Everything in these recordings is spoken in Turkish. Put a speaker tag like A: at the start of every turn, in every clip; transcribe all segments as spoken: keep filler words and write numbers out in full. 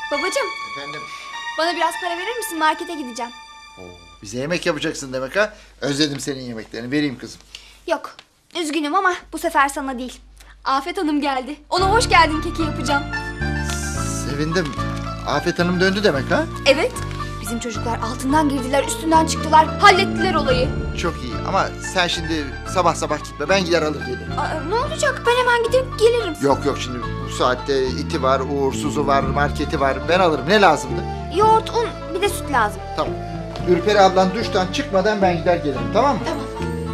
A: Babacığım,
B: Efendim?
A: bana biraz para verir misin? Markete gideceğim.
B: Oo, bize yemek yapacaksın demek ha? Özledim senin yemeklerini. Vereyim kızım.
A: Yok, üzgünüm ama bu sefer sana değil. Afet Hanım geldi. Ona hoş geldin keki yapacağım.
B: Sevindim. Afet Hanım döndü demek ha?
A: Evet, bizim çocuklar altından girdiler, üstünden çıktılar. Hallettiler olayı.
B: Çok iyi ama sen şimdi sabah sabah gitme. Ben gider alır gelirim.
A: Aa, ne olacak? Ben hemen gidip gelirim.
B: Yok yok, şimdi bu saatte iti var, uğursuzu var, marketi var. Ben alırım. Ne lazımdı?
A: Yoğurt, un, bir de süt lazım.
B: Tamam. Ürperi ablan duştan çıkmadan ben gider gelirim, tamam mı?
A: Tamam.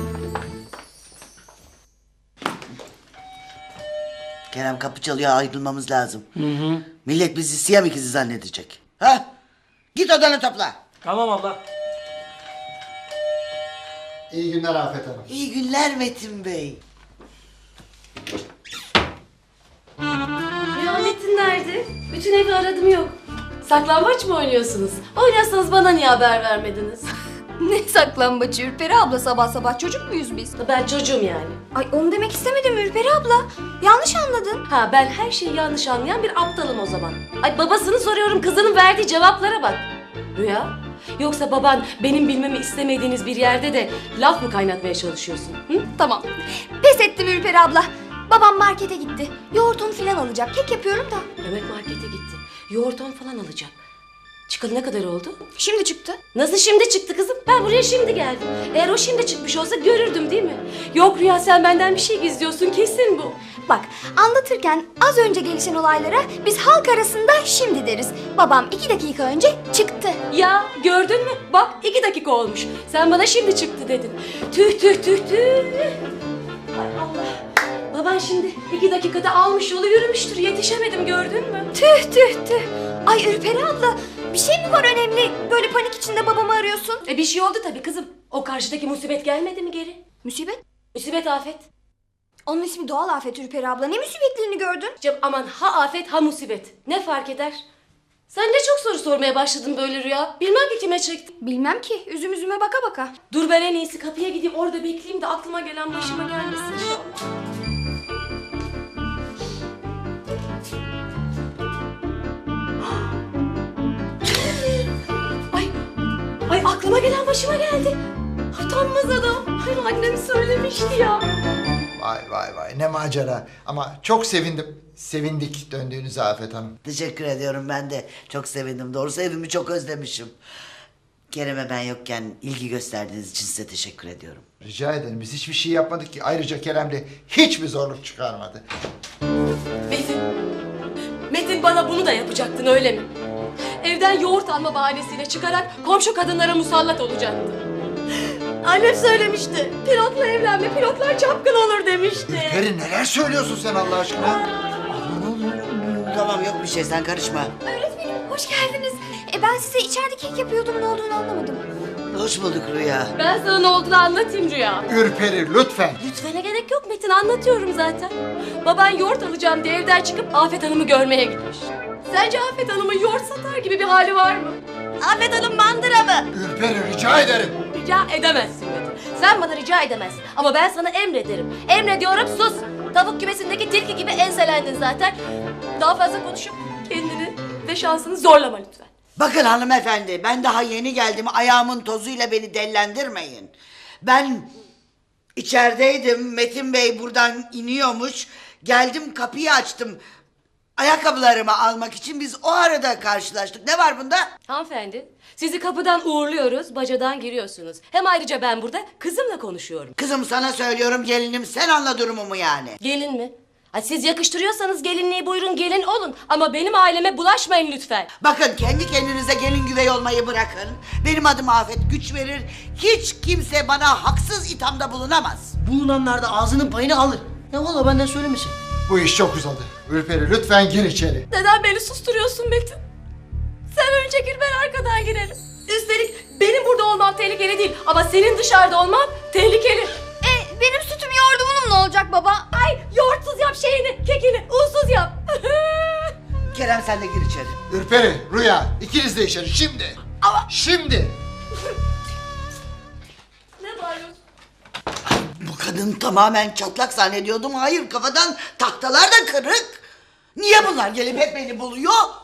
C: Kerem kapı çalıyor, ayrılmamız lazım. Hı hı. Millet bizi Siyam ikizi zannedecek. Ha? Git odanı topla.
D: Tamam abla.
B: İyi günler Afet Hanım.
C: İyi günler Metin Bey.
E: Ya Metin nerede? Bütün evi aradım yok. Saklambaç mı oynuyorsunuz? Oynasanız bana niye haber vermediniz?
A: Ne saklambaçı Ürperi abla, sabah sabah çocuk muyuz biz?
E: Ben çocuğum yani.
A: Ay onu demek istemedim Ürperi abla. Yanlış anladın.
E: Ha ben her şeyi yanlış anlayan bir aptalım o zaman. Ay babasını soruyorum, kızının verdiği cevaplara bak. Rüya, yoksa baban benim bilmemi istemediğiniz bir yerde de laf mı kaynatmaya çalışıyorsun? Hı?
A: Tamam. Pes ettim Ürperi abla. Babam markete gitti. Yoğurt un filan alacak. Kek yapıyorum da.
E: Demek markete gitti. Yoğurt un falan alacak. Çıkalı ne kadar oldu?
A: Şimdi çıktı.
E: Nasıl şimdi çıktı kızım? Ben buraya şimdi geldim. Eğer o şimdi çıkmış olsa görürdüm değil mi? Yok Rüya, sen benden bir şey gizliyorsun, kesin bu.
A: Bak, anlatırken az önce gelişen olaylara biz halk arasında şimdi deriz. Babam iki dakika önce çıktı.
E: Ya gördün mü? Bak iki dakika olmuş. Sen bana şimdi çıktı dedin. Tüh tüh tüh tüh. Ay Allah. Baban şimdi iki dakikada almış yolu yürümüştür. Yetişemedim, gördün mü?
A: Tüh tüh tüh. Ay Ürperi abla, bir şey mi var önemli? Böyle panik içinde babamı arıyorsun.
E: E bir şey oldu tabii kızım. O karşıdaki musibet gelmedi mi geri?
A: Musibet?
E: Musibet afet.
A: Onun ismi doğal afet Ürperi abla. Ne musibetlerini gördün?
E: Cem aman, ha afet ha musibet. Ne fark eder? Sen ne çok soru sormaya başladın böyle Rüya. Bilmem ki kime çektin.
A: Bilmem ki. Üzüm üzüme baka baka.
E: Dur ben en iyisi kapıya gideyim, orada bekleyeyim de aklıma gelen başıma gelmesin inşallah. Ay, ay aklıma gelen başıma geldi. Utanmaz adam. Ay annem söylemişti ya.
B: Vay vay vay, ne macera. Ama çok sevindim. Sevindik döndüğünüze Afet Hanım.
C: Teşekkür ediyorum, ben de çok sevindim. Doğrusu evimi çok özlemişim. Kerem'e ben yokken ilgi gösterdiğiniz için size teşekkür ediyorum.
B: Rica ederim. Biz hiçbir şey yapmadık ki. Ayrıca Kerem de hiçbir zorluk çıkarmadı.
E: Metin, Metin bana bunu da yapacaktın öyle mi? Evden yoğurt alma bahanesiyle çıkarak komşu kadınlara musallat olacaktın. Annem söylemişti. Pilotla evlenme, pilotlar çapkın olur demişti.
B: Ürperi, neler söylüyorsun sen Allah aşkına?
C: Tamam, yok bir şey, sen karışma.
A: Öğretmenim, hoş geldiniz. E ben size içeride kek yapıyordum, ne olduğunu anlamadım.
C: Hoş bulduk Rüya.
E: Ben sana ne olduğunu anlatayım Rüya.
B: Ürperi, lütfen.
E: Lütfene gerek yok Metin, anlatıyorum zaten. Baban yoğurt alacağım diye evden çıkıp Afet Hanım'ı görmeye gitmiş. Sence Afet Hanım'ın yoğurt satar gibi bir hali var mı? Afet Hanım mandıra mı?
B: Ürperi, rica ederim.
E: Rica edemezsin Metin. Sen bana rica edemezsin. Ama ben sana emrederim. Emrediyorum, sus. Tavuk kümesindeki tilki gibi enselendin zaten. Daha fazla konuşup kendini ve şansını zorlama lütfen.
C: Bakın hanımefendi, ben daha yeni geldim. Ayağımın tozuyla beni dellendirmeyin. Ben içerideydim. Metin Bey buradan iniyormuş. Geldim, kapıyı açtım. Ayakkabılarımı almak için biz o arada karşılaştık. Ne var bunda?
E: Hanımefendi, sizi kapıdan uğurluyoruz, bacadan giriyorsunuz. Hem ayrıca ben burada kızımla konuşuyorum.
C: Kızım sana söylüyorum, gelinim, sen anla durumumu yani.
E: Gelin mi? Ha, siz yakıştırıyorsanız gelinliği buyurun gelin olun. Ama benim aileme bulaşmayın lütfen.
C: Bakın, kendi kendinize gelin güvey olmayı bırakın. Benim adım Afet, güç verir. Hiç kimse bana haksız ithamda bulunamaz.
D: Bulunanlar da ağzının payını alır. Ya valla benden söylemesin.
B: Bu iş çok uzadı. Ürperi, lütfen gir içeri.
E: Neden beni susturuyorsun Metin? Sen önce gir, ben arkadan girerim. Üstelik benim burada olmam tehlikeli değil. Ama senin dışarıda olman tehlikeli.
A: E benim sütüm yoğurdumum ne olacak baba?
E: Ay yoğurtsuz yap şeyini, kekini, unsuz yap.
C: Kerem, sen de gir içeri.
B: Ürperi, Rüya, ikiniz de içeri şimdi.
E: Ama-
B: Şimdi.
E: Ne bağırıyorsun?
C: Bu kadın tamamen çatlak zannediyordum. Hayır, kafadan tahtalar da kırık. Niye bunlar gelip hep beni buluyor?